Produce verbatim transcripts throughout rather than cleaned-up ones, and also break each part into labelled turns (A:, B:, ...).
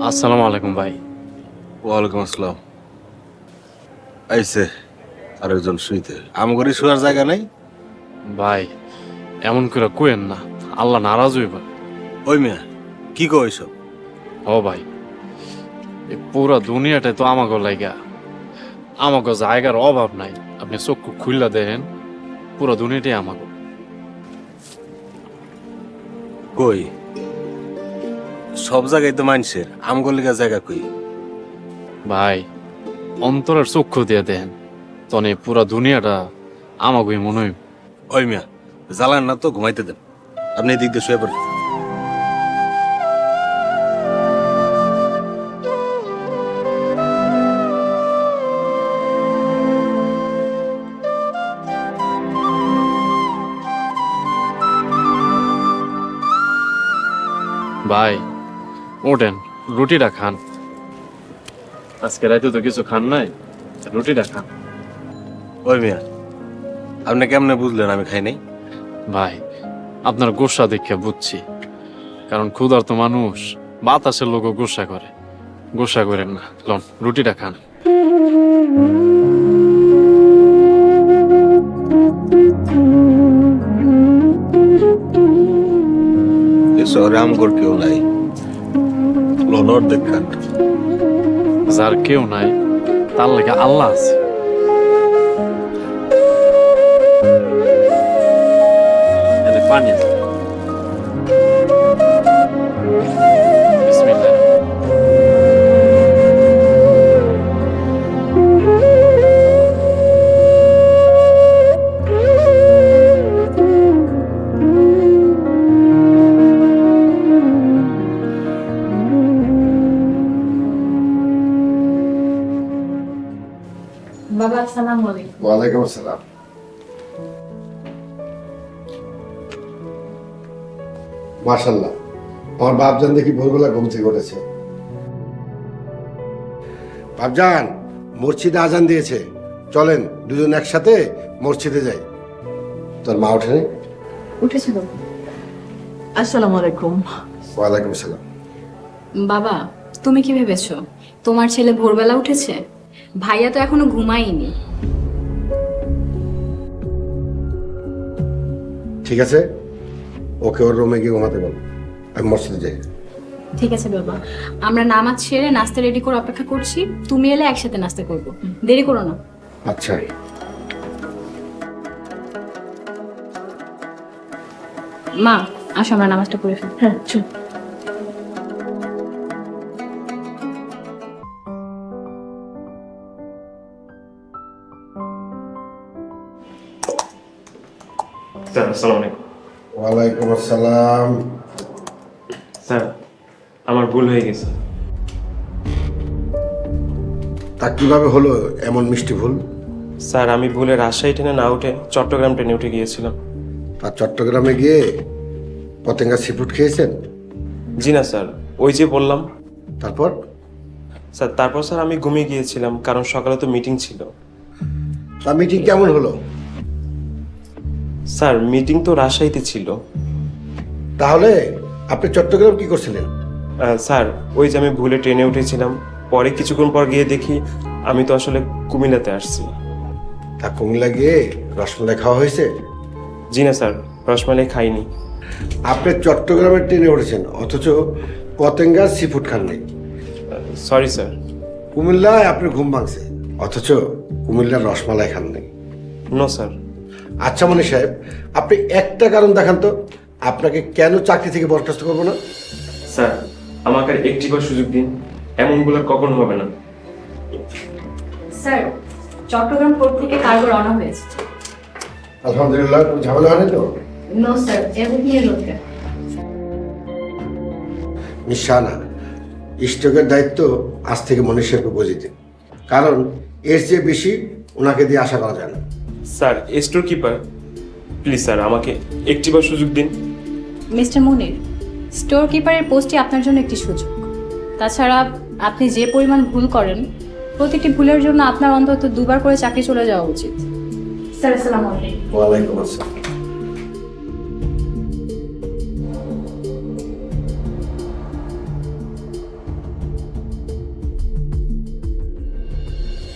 A: আসসালামু আলাইকুম ভাই।
B: ওয়ালাইকুম আসসালাম। আইসে আরেকজন শুইতে আমগরি শোয়ার জায়গা নাই।
A: ভাই এমন করে কোয়েন না, আল্লাহ নারাজ হইবা।
B: ওই মিয়া কি কো এইসব?
A: ও ভাই, এই পুরা দুনিয়াটাই তো আমাকে লাগা, আমাকে জায়গার অভাব নাই। আপনি চক্ষু খুললা দেখেন, পুরা দুনিয়াটাই আমাকে।
B: কই সব জায়গায় তো মানুষের, আমগর লিগা জায়গা কই?
A: ভাই অন্তরের চক্ষু দিয়ে দেখেন, তনে পুরা দুনিয়াটা আমাকে মনে হইব।
B: ওই মিয়া জ্বালান না তো, ঘুমাইতে দেন। আপনি এদিক দিয়ে শুয়ে পড়েন।
A: ভাই ওঠেন, রুটিটা খান। আজকে রাতে তো কিছু খান নাই, রুটিটা খান।
B: ওই মিয়া আপনি কেমনে বুঝলেন আমি খাই নাই?
A: ভাই আপনার গোসা দেখে বুঝছি, কারণ ক্ষুধার্ত মানুষ বাতাসের লোকও গোসা করে। গোসা করেন না, লন রুটিটা খান।
B: এ শহরে আমগর কেউ নাই, লনর দেখান।
A: যার কেউ নাই তার লেগে আল্লাহ আছে। এনে পানি আছে। বিসমিল্লাহ।
C: বাবা আসসালামু আলাইকুম।
D: ওয়ালাইকুম আসসালাম। মাশাআল্লাহ, আমার বাপজান দেখি ভোরবেলা ঘুম থেকে উঠেছে। বাপজান, মসজিদে আজান দিয়েছে, চলেন দুজন একসাথে মসজিদে যাই। তোর মা ওঠেনি?
C: উঠেছে বাবা। আসসালামু আলাইকুম।
D: ওয়ালাইকুম আসসালাম।
E: বাবা, তুমি কি ভেবেছো তোমার ছেলে ভোরবেলা উঠেছে? ভাইয়া তো এখনো ঘুমায়নি।
D: ঠিক আছে, ওকে ওর রুমে গিয়ে ঘুমাতে বল, আমি মসজিদে যাই।
E: ঠিক আছে বাবা, আমরা নামাজ ছেড়ে নাস্তা রেডি করে অপেক্ষা করছি। তুমি এলে একসাথে নাস্তা করব, দেরি করো না।
D: আচ্ছা।
E: মা আসো আমরা নামাজটা পড়ে ফেলি।
C: হ্যাঁ চল।
F: স্যার আসসালামু আলাইকুম।
D: ওয়ালাইকুম আসসালাম।
F: স্যার আমার ভুল হয়ে গেছে।
D: তা কিভাবে হলো এমন মিষ্টি ভুল?
F: স্যার আমি ভুলে রাজশাহী ট্রেনে না উঠে চট্টগ্রাম ট্রেনে উঠে গিয়েছিলাম।
D: আর চট্টগ্রামে গিয়ে পতেঙ্গা সিফুড খেয়েছেন?
F: জি না স্যার, ওই যে বললাম।
D: তারপর?
F: স্যার তারপর স্যার আমি ঘুমিয়ে গিয়েছিলাম, কারণ সকালে তো মিটিং ছিল।
D: তা মিটিং কেমন হলো?
F: স্যার মিটিং তো রাজশাহীতে ছিল।
D: তাহলে আপনি চট্টগ্রাম কি করছিলেন?
F: আহ, স্যার ওই যে আমি ভুলে ট্রেনে উঠেছিলাম, পরে কিছুক্ষণ পর গিয়ে দেখি আমি তো আসলে কুমিল্লাতে আসছি।
D: তা কুমিল্লা গিয়ে রসমালাই খাওয়া হয়েছে?
F: জি না স্যার, রসমালাই খাইনি।
D: আপনি চট্টগ্রামের ট্রেনে উঠেছেন, অথচ পতেঙ্গার সি ফুড খান নাই।
F: Sorry sir.
D: কুমিল্লায় আপনার ঘুম ভাঙছে, অথচ কুমিল্লার রসমালাই খান নাই।
F: No sir.
D: আচ্ছা মনি সাহেব, আপনি একটা কারণ দেখান তো, আপনাকে কেন চাকরি থেকে বরখাস্ত করবো না?
F: স্যার আমাকে আর একটিবার সুযোগ দিন, এমনগুলো কখনো হবে না।
E: স্যার চট্টগ্রাম পোর্ট থেকে কার্গো রওনা হয়েছে।
D: আলহামদুলিল্লাহ, কোনো ঝামেলা হয়নি তো?
E: No sir, everything is okay.
D: Miss Shahana, স্টকের দায়িত্ব আজ থেকে মনি সাহেবকে বুঝিয়ে দিন, কারণ এর চেয়ে বেশি ওনাকে দিয়ে আশা করা যায় না।
F: Sir storekeeper, please sir আমাকে একটিবার সুযোগ দিন।
E: মিস্টার মুনির, স্টোর কিপারের পোস্টই আপনার জন্য একটি সুযোগ। তাছাড়া আপনি যে পরিমাণ ভুল করেন, প্রতিটি ভুলের জন্য আপনার অন্তত দুবার করে চাকরি চলে যাওয়া উচিত। স্যার আসসালামু আলাইকুম।
D: ওয়ালাইকুম আসসালাম।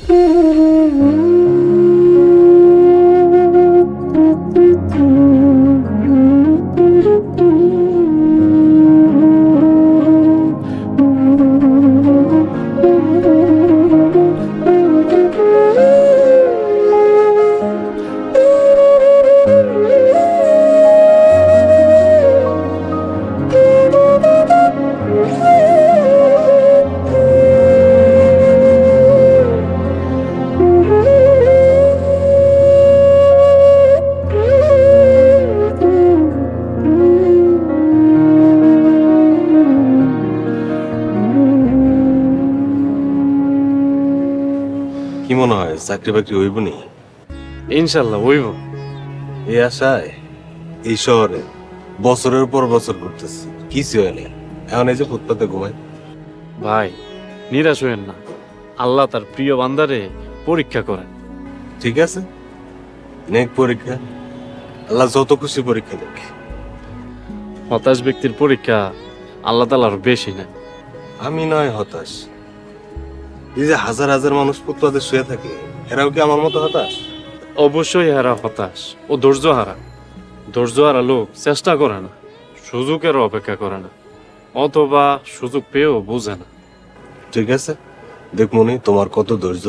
B: কি মনে হয় চাকরি বাকরি হইব নি?
A: ইনশাল্লাহ হইব।
B: এই আশায় এই শহরে বছরের পর বছর ঘুরতেছি, কিছু হয় নাই। এখন এই যে ফুটপাতে ঘুমাই।
A: ভাই নিরাশ হইেন না, আল্লাহ তার প্রিয় বান্দারে পরীক্ষা করেন।
B: ঠিক আছে, নেক পরীক্ষা, আল্লাহ যত খুশি পরীক্ষা দেখ।
A: হতাশ ব্যক্তির পরীক্ষা আল্লাহ তালার বেশি না।
B: আমি নয় হতাশ, এই যে হাজার হাজার মানুষ ফুটপাতে শুয়ে থাকে, এরাও কি আমার মতো হতাশ?
A: অবশ্যই হারা হতাশ ও ধৈর্য হারা। ধৈর্য হারা লোক চেষ্টা করে না, সুযোগের অপেক্ষা করে না, অথবা সুযোগ পেয়েও বোঝে না।
B: ঠিক আছে, দেখ মনি তোমার কত ধৈর্য।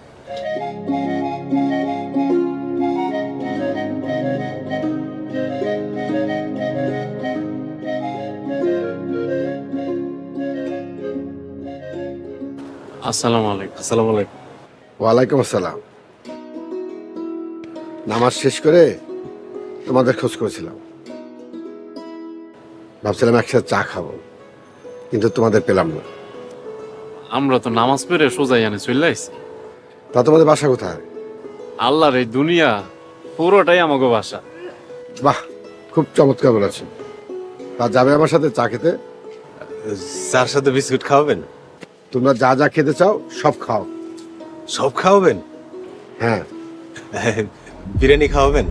A: আসসালামু আলাইকুম।
B: আসসালামু আলাইকুম।
D: ওয়ালাইকুম আসসালাম। নামাজ শেষ করে তোমাদের খোঁজ করেছিলাম, ভাবছিলাম একসাথে চা খাবো, কিন্তু তোমাদের পেলাম না।
A: আমরা তো নামাজ পড়ে সোজাই আনে চলে আইছি।
D: তা তোমাদের বাসা কোথায়?
A: আল্লাহর এই দুনিয়া পুরোটাই আমাকে বাসা।
D: বাহ, খুব চমৎকার বলেছো। তা যাবে আমার সাথে চা খেতে?
B: চার সাথে বিস্কুট খাওয়াবেন?
D: তোমরা যা যা খেতে চাও সব খাও।
B: সব খাওয়াবেন?
D: হ্যাঁ।
B: বিরিয়ানি খাওয়াবেন?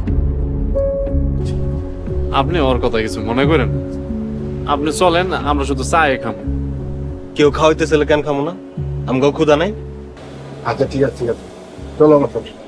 A: আপনি ওর কথা কিছু মনে করেন, আপনি চলেন, আমরা শুধু চা খাবো।
B: কেউ খাওয়াইতে চাইলে কেন খাবো না? আমগাও ক্ষুধা নাই।
D: আচ্ছা ঠিক আছে ঠিক আছে, চলো আমার সাথে।